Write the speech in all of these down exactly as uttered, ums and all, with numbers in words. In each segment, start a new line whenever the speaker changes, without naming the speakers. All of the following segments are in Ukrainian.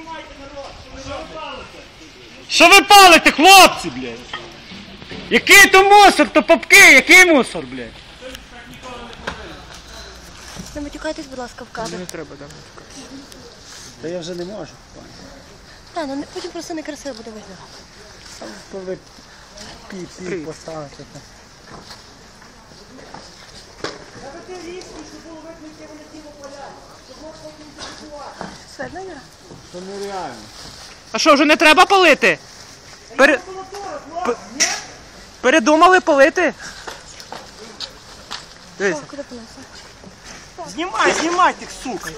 Що ви палите, хлопці, блядь? Який то мусор, то попки, який мусор, блядь?
Не матюкайтесь, будь ласка, в кадр.
Не треба, да, матюкатися.
Та я вже не можу.
Та, ну потім просто некрасиво буде видно.
Коли пі-пі поставити.
Видно, Юра?
Це нереально.
А що, вже не треба палити? Пере... П... Передумали палити? Дивіться.
Куди понесли?
Знімай, знімай тих, сука.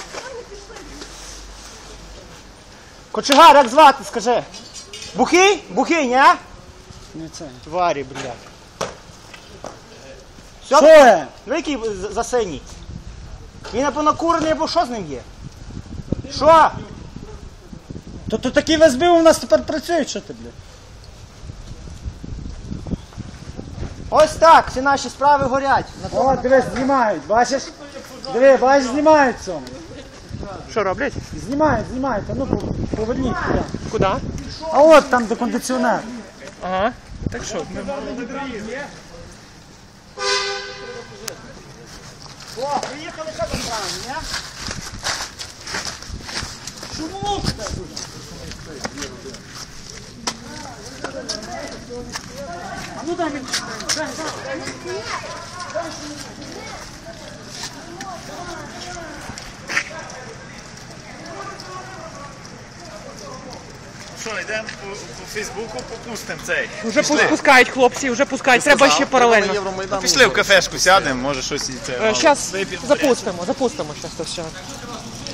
Кочегар, як звати, скажи? Бухий? Бухий, ні? Не це. Тварі, блядь. Що це? Ви який за синій? Він напевно курений, або що з ним є? Що? То то такі ВСБ у нас тепер працюють, що ти, блядь? Ось так, всі наші справи горять. О, дивись, знімають, бачиш? Диви, бачиш, знімають цьому.
Що роблять?
Знімають, знімають, а ну поверніть.
Куди?
А от там де кондиціонер.
Ага. Так що?
О, приїхали, що там правильно, ні? Чому це? А ну дай мені. Дай, дай.
Що, йдемо по, по Фейсбуку, попустимо цей.
Вже пускають хлопці, вже пускають, треба ще паралельно.
Пішли в кафешку, сядемо, може щось і це.
Зараз запустимо, запустимо щось то все.